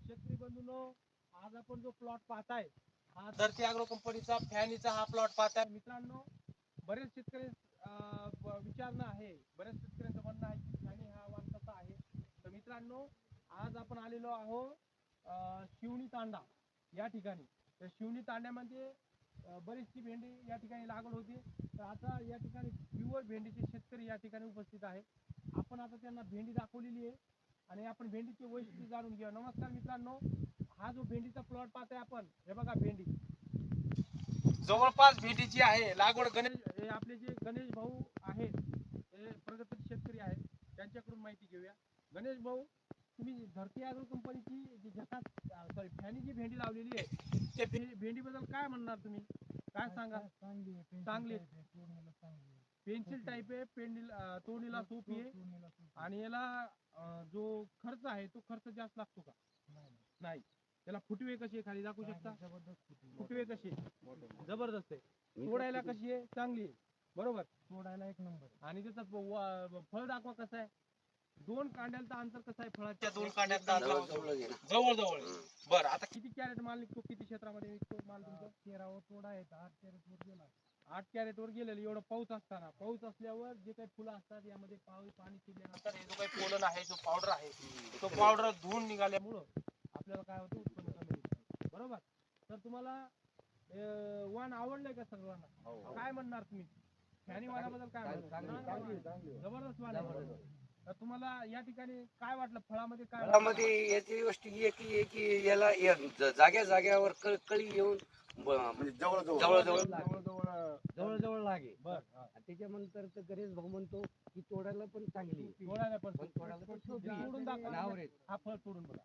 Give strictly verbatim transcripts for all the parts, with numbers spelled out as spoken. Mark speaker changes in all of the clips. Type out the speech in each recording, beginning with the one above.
Speaker 1: शेतकरी बंधूंनो, आज आपण जो प्लॉट पाहताय हा धरती अॅग्रो कंपनीचा फॅनीचा हा प्लॉट पाहताय. मित्रांनो, बरेच शेतकरी अं, ब- विचारणं आहे, बरेच शेतकऱ्यांचं म्हणणं आहे की फॅनी हा वाण कसा आहे. तर मित्रांनो, आज आपण आलेलो आहोत अं, शिवणी तांडा या ठिकाणी. तर शिवणी तांड्यामध्ये अं, बरीचशी भेंडी या ठिकाणी लागवड होती. तर आता या ठिकाणी प्युअर भेंडीचे शेतकरी या ठिकाणी उपस्थित आहे. आपण आता त्यांना भेंडी दाखवलेली आहे आणि आपण भेंडीचे वैशिष्ट्य जाणून घेऊया. नमस्कार मित्रांनो, हा जो भेंडीचा प्लॉट पाहताय आपण, हे बघा भेंडी जवळपास भेंडीची आहे लागवड. गणेश हे आपले जे गणेश भाऊ आहेत, हे प्रगतशील शेतकरी आहेत, त्यांच्याकडून माहिती घेऊया. गणेश भाऊ, तुम्ही धरती अॅग्रो कंपनीची जी जगात सॉरी फॅनी जी भेंडी लावलेली आहे, त्या भेंडी बद्दल काय म्हणणार तुम्ही? काय सांगा? चांगली पेन्सिल टाईप आहे, पेंडीला तोडणीला सोपी आहे आणि याला अं, जो खर्च आहे तो खर्च जास्त लागतो का? नाही. त्याला फुटवे कशी आहे खाली दाखवू शकता? फुटवे कशी जबरदस्त आहे. तोडायला कशी आहे? चांगली आहे, बरोबर. तोडायला एक नंबर. आणि त्याचा व- फळ दाखवा कसं आहे. दोन कांड्याचं अंतर कसं आहे फळाच्या दोन कांड्याचं अंतर? जवळ जवळ. बरं, आता किती कॅरेट माल निघतो, किती क्षेत्रामध्ये निघतो माल तुमचा? तेरावर तोडा आहे, आठ कॅरेट वर गेला. आठ कॅरेट वर गेलेलं. एवढं पाऊस असताना, पाऊस असल्यावर जे काही फुलं असतात यामध्ये पाऊस पाणी शिरल्यानंतर हे जो काही पोलन आहे, जो पावडर आहे, तो पावडर धुवून निघाल्यामुळं आपल्याला काय होतं, उत्पन्न कमी निघतं, बरोबर. तर तुम्हाला अं, वाण आवडलंय का सर्वांना? काय म्हणणार तुम्ही फॅनी वाणाबद्दल? काय म्हणणार? जबरदस्त वाण आहे. तर तुम्हाला या ठिकाणी काय वाटलं फळामध्ये? काय
Speaker 2: फळामध्ये याची गोष्ट ही आहे की की याला या ज- जाग्या जाग्यावर क- कळी येऊन ब- म्हणजे जवळ जवळ जवळ जवळ
Speaker 3: जवळ जवळ लागे.
Speaker 1: बर
Speaker 3: आणि त्याच्यानंतर तर गणेश भाऊ म्हणतो की तोडायला पण चांगली आहे.
Speaker 1: तोडायला पण
Speaker 3: पण तोडायला पण सोपी आहे.
Speaker 1: तोडून दाखवा.
Speaker 3: आणि आवरेज.
Speaker 1: हा फळ तोडून बघा.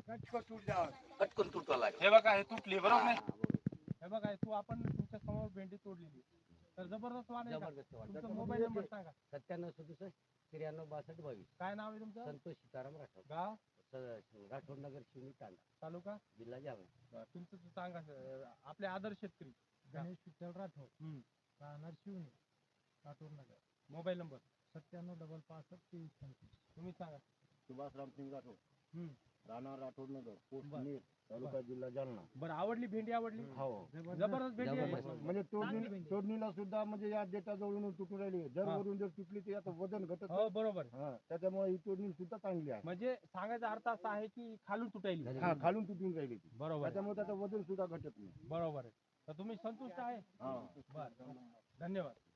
Speaker 2: पटकन तुटवा लागेल.
Speaker 1: हे बघा, हे तुटली, बरोबर नाही?
Speaker 3: हा, बरोबर.
Speaker 1: हे बघा, हे तू आपण तुमच्या समोर भेंडी तोडलेली. तर जबरदस्त वाण आहे का?
Speaker 3: जबरदस्त वाण.
Speaker 1: तुमचा मोबाईल नंबर सांगा.
Speaker 3: सत्त्याण्णव सदुसष्ट त्र्याण्णव बासष्ट बावीस.
Speaker 1: काय नाव आहे तुमचं?
Speaker 3: संतोष सीताराम राठोड.
Speaker 1: गाव?
Speaker 3: स- राठोड नगर शिवणी तांडा,
Speaker 1: तालुका?
Speaker 3: जिल्हा जालना.
Speaker 1: बरं, तुमचं तर सांगा सर. आपले आदर्श शेतकरी
Speaker 4: गणेश विठ्ठल राठोड,
Speaker 1: हम्म.
Speaker 4: राहणार शिवणी, राठोड नगर,
Speaker 1: मोबाईल नंबर
Speaker 4: सत्त्याण्णव डबल पासष्ट तेवीस पंचवीस.
Speaker 1: तुम्ही सांगा.
Speaker 4: सुभाष रामसिंग राठोड,
Speaker 1: हम्म.
Speaker 4: राहणार राठोड नगर, पोस्ट
Speaker 1: बरं.
Speaker 4: नेर, तालुका जिल्हा जालना.
Speaker 1: बरं, आवडली भेंडी? आवडली?
Speaker 3: हो.
Speaker 1: जबरदस्त भेंडी आहे.
Speaker 3: जबरदस्त.
Speaker 4: म्हणजे तोडणी तोडणीला सुद्धा म्हणजे या डेटा जवळून तुटून राहिली. जर
Speaker 1: हा.
Speaker 4: वरून जर तुटली तर याचं वजन घटत
Speaker 1: हो, बरोबर.
Speaker 4: नाही. हा, त्याच्यामुळे ही तोडणी सुद्धा चांगली आहे.
Speaker 1: म्हणजे सांगायचा अर्थ असा आहे की खालून तुटायली.
Speaker 4: हा, खालून तुटून राहिली ती.
Speaker 1: बरोबर आहे.
Speaker 4: त्याच्यामुळे त्याचं वजन सुद्धा घटत नाही.
Speaker 1: बरोबर आहे. तर तुम्ही संतुष्ट आहे?
Speaker 4: हा.
Speaker 1: बरं, धन्यवाद.